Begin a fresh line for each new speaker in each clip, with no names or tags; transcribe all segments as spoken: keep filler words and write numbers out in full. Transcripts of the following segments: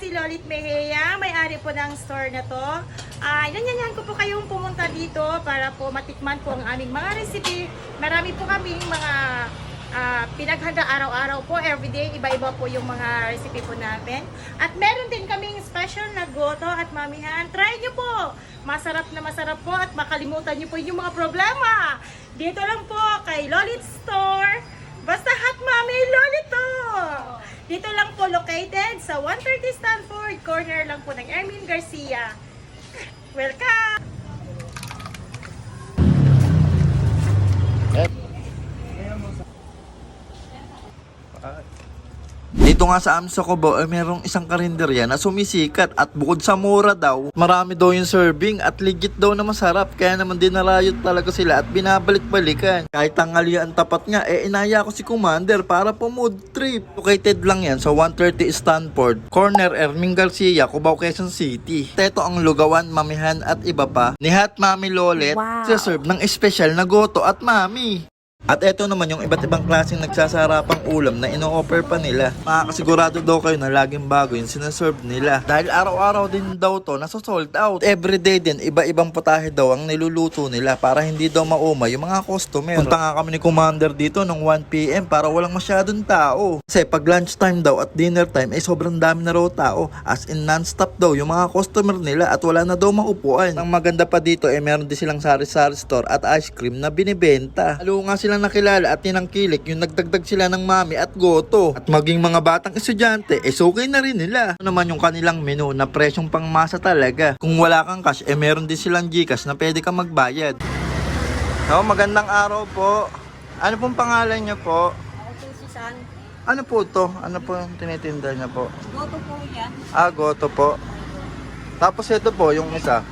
si Lolit Mejia, may-ari po ng store na to. Uh, Inanyanyahan ko po kayong pumunta dito para po matikman po ang aming mga recipe. Marami po kaming mga uh, pinaghanda araw-araw po, everyday. Iba-iba po yung mga recipe po namin. At meron din kaming special na goto at mamihan. Try nyo po! Masarap na masarap po at makalimutan nyo po yung mga problema. Dito lang po kay Lolit Store. Basta Hot Mami Lolito! Dito lang po located sa one thirty Stanford, corner lang po ng Ermin Garcia. Welcome!
Dito nga sa amin sa Cubao ay merong isang karinderya na sumisikat at bukod sa mura daw, marami daw yung serving at legit daw na masarap. Kaya naman dinarayot talaga sila at binabalik-balikan. Kahit tanghalian tapat nga, eh inaya ko si Commander para po mood trip. Located lang yan sa one thirty Stanford, corner Erming Garcia, Cubao, Quezon City. Teto ang lugawan, mamihan at iba pa ni Hot Mami Lolet. Wow. Sa serve ng espesyal na goto at mami. At eto naman yung iba't ibang klaseng nagsasarapang ulam na ino-offer pa nila. Makakasigurado daw kayo na laging bago yung sinaserve nila. Dahil araw-araw din daw to nasa sold out. Everyday din, iba-ibang putahe daw ang niluluto nila para hindi daw mauma yung mga customer. Punta nga kami ni Commander dito ng one p m para walang masyadong tao. Kasi pag lunchtime daw at dinner time ay sobrang dami na raw tao. As in non-stop daw yung mga customer nila at wala na daw maupuan. Ang maganda pa dito ay eh, meron din silang sari-sari store at ice cream na binibenta. Halo nga silang nakilala at tinangkilik yung nagdagdag sila ng mami at goto. At maging mga batang estudyante, eh sukay na rin nila. Ano naman yung kanilang menu na presyong pangmasa talaga. Kung wala kang cash, eh meron din silang Gcash na pwede kang magbayad. So, magandang araw po. Ano pong pangalan niyo po?
Ako po si San.
Ano po to? Ano po yung tinitinda niya po?
Goto po yan.
Ah, goto po. Tapos ito po, yung isa.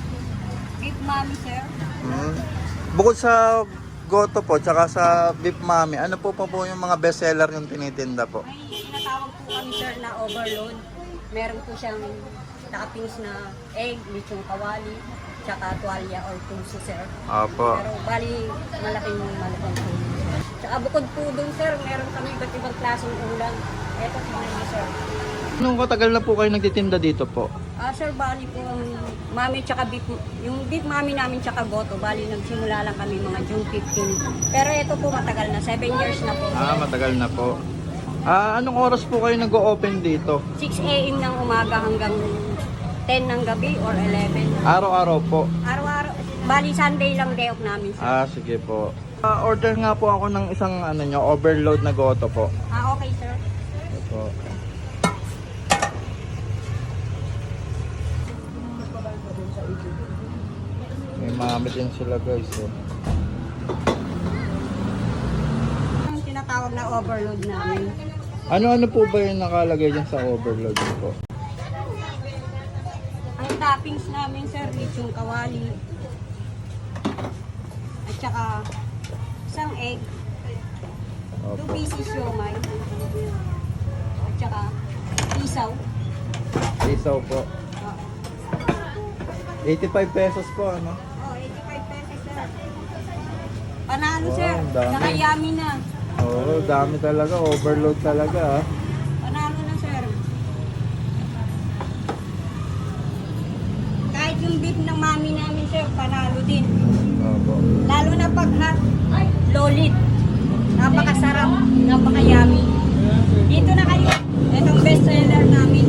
Beef Mami, sir.
Hmm. Bukod sa goto po, tsaka sa beef mami, ano po pa po yung mga best seller yung tinitinda po?
May tinatawag po kami, sir, na overload. Meron po siyang toppings na egg, lechong kawali, tsaka tuwalya or puso, sir.
Opo.
Pero bali, malaking malaking po. Tsaka bukod po dun, sir, meron kami iba't ibang klaseng ulam. Eto po na, sir.
Anong katagal na po kayo nagtitinda dito po?
Ah, sir, bali po ang mami tsaka beef, yung beef mami namin tsaka goto, bali nagsimula lang kami mga June fifteenth. Pero ito po matagal na, seven years na po.
Ah, matagal na po. Ah, anong oras po kayo nag-o-open dito?
six a m ng umaga hanggang ten ng gabi or eleven.
Araw-araw po.
Araw-araw, bali Sunday lang day off namin, sir.
Ah, sige po. Ah, order nga po ako ng isang ano nyo, overload na goto po.
Ah, okay, sir.
Ito po. May mami din sila guys eh.
Ang tinatawag na overload namin.
Ano-ano po ba yung nakalagay dyan sa overload po?
Ang toppings namin, sir, lechong kawali. At saka isang egg. Two
Opo.
pieces siomay. At saka isaw.
Isaw po.
Ah,
eighty-five pesos po ano?
oh, eighty-five pesos, sir. Panalo,
Wow,
sir.
dami.
Nakayami na.
Oo, dami talaga. Overload talaga ah.
Panalo na, sir. Kahit yung beef ng mami namin, sir, panalo din.
Opo.
Lalo na pag hot, lolit. Napakasarap, napakayami. Dito na kayo. Itong best seller namin.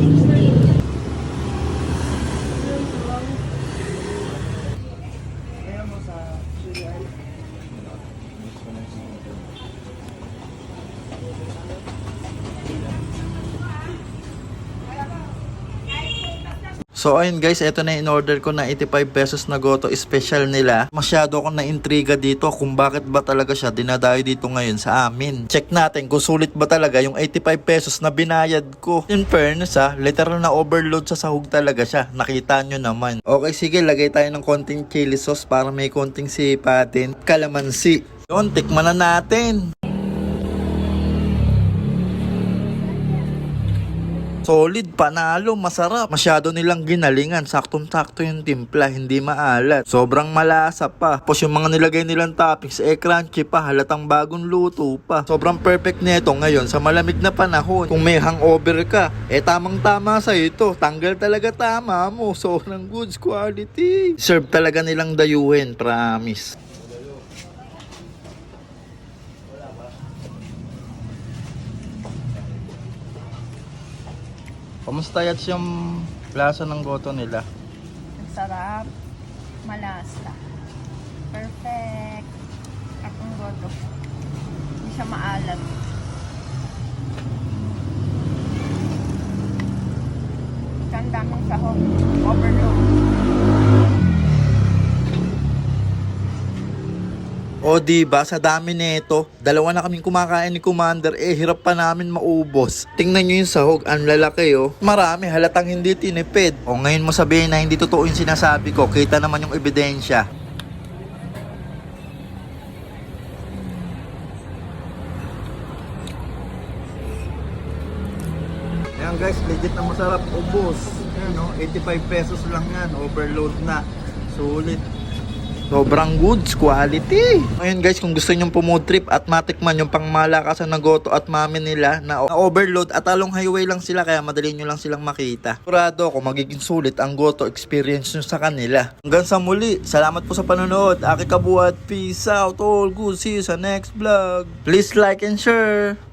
So ayun guys, ito na in-order ko na eighty-five pesos na goto special nila. Masyado akong na-intriga dito kung bakit ba talaga siya dinadayo dito ngayon sa amin. Check natin kung sulit ba talaga yung eighty-five pesos na binayad ko. In fairness ha, literal na overload sa sahog talaga siya. Nakita nyo naman. Okay, sige, lagay tayo ng konting chili sauce para may konting sipatin. Kalamansi. Yun, tikman na natin. Solid, panalo, masarap. Masyado nilang ginalingan. Saktong-sakto yung timpla, hindi maalat. Sobrang malasa pa. Tapos yung mga nilagay nilang toppings, eh crunchy pa. Halatang bagong luto pa. Sobrang perfect nito ngayon sa malamig na panahon. Kung may hangover ka, eh tamang-tama sa ito. Tanggal talaga tama mo. Sobrang goods quality. Serve talaga nilang dayuhin, promise. Kamusta yats yung lasa ng goto nila?
Ang sarap. Malasa. Perfect. Akong goto. Hindi siya maalat. Ganda mong sahog. Overload.
O diba, sa dami nito, dalawa na kaming kumakain ni Commander, eh hirap pa namin maubos. Tingnan nyo yung sahog, ang lalaki oh. Marami, halatang hindi tinipid. O ngayon mo sabihin na hindi totoo yung sinasabi ko, kita naman yung ebidensya. Ayan guys, legit na masarap, ubos. Ayan no, eighty-five pesos lang yan, overload na. Sulit. Sobrang goods quality. Ngayon guys, kung gusto nyong pumood trip at matikman yung pangmalakasan na goto at mami nila na, na overload at along highway lang sila kaya madali nyo lang silang makita. Sigurado ako magiging sulit ang goto experience nyo sa kanila. Hanggang sa muli, salamat po sa panonood. Aki Kabuhat, peace out all good. See you sa next vlog. Please like and share.